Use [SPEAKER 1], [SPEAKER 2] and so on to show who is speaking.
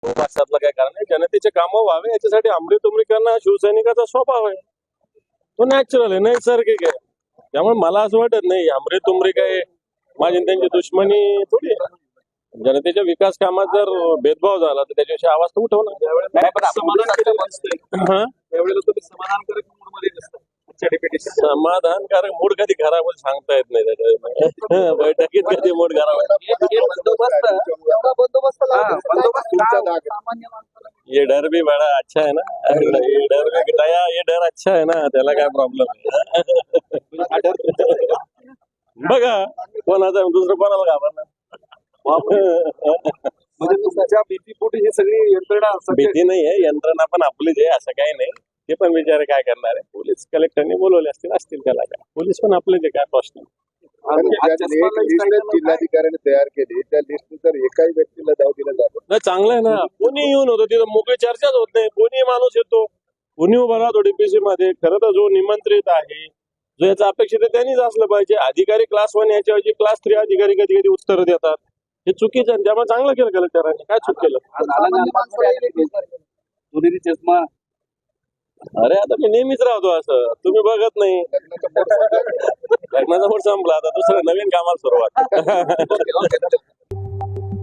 [SPEAKER 1] भाषातलं काय कारण आहे, जनतेचे कामं व्हावे याच्यासाठी आमरी करणं शिवसैनिकाचा स्वभाव आहे. तो नॅचरल आहे, नैसर्गिक आहे. त्यामुळे मला असं वाटत नाही आमरी काय माझी आणि त्यांची दुश्मनी थोडी आहे. जनतेच्या विकास कामात जर भेदभाव झाला तर त्याच्याविषयी आवाज तर उठवणार. हा?
[SPEAKER 2] समाधानकारक मूड मध्ये नसतं आजच्या डेप्युटेशन.
[SPEAKER 1] समाधानकारक मूड कधी खराब होईल सांगता येत नाही त्याच्या बैठकीत कधी मूड खराब होईल. ये डर भी बड़ा अच्छा है ना, ये डर भी दया, ये डर अच्छा है ना, त्याला काय प्रॉब्लेम आहे. बघा कोणाचा दुसरं कोणाला घाबरणार.
[SPEAKER 2] म्हणजे तुमच्या भीतीपोटी ही सगळी यंत्रणा
[SPEAKER 1] भीती नाही आहे, यंत्रणा पण आपलीच आहे, असं काही नाही. ते पण विचार काय करणार आहे, पोलीस कलेक्टरने बोलवले असतील त्याला काय, पोलीस पण आपलेच आहे, काय प्रश्न.
[SPEAKER 3] जिल्हाधिकाऱ्याने तयार केली त्या लिस्टनुसार एकाही व्यक्तीला दाव दिला जातो.
[SPEAKER 1] नाही चांगलं आहे ना, कोणी येऊन होतं तिथं, मोकळी चर्चाच होत नाही. कोणी माणूस येतो, कोणी उभा राहतो डीपीसी मध्ये. खरं तर जो निमंत्रित आहे, जो याचा अपेक्षित आहे त्यांनीच असलं पाहिजे. अधिकारी क्लास 1 याच्याऐवजी क्लास 3 अधिकारी कधी कधी उत्तर देतात, हे चुकीचं आहे. त्यामुळे चांगलं केलं कलेक्टरांनी, काय चूक केलं.
[SPEAKER 2] दुहेरी चष्मा.
[SPEAKER 1] अरे आता मी नेहमीच राहतो असं, तुम्ही बघत नाही. लग्नाचा मूड संपला, आता दुसरं नवीन कामाला सुरुवात.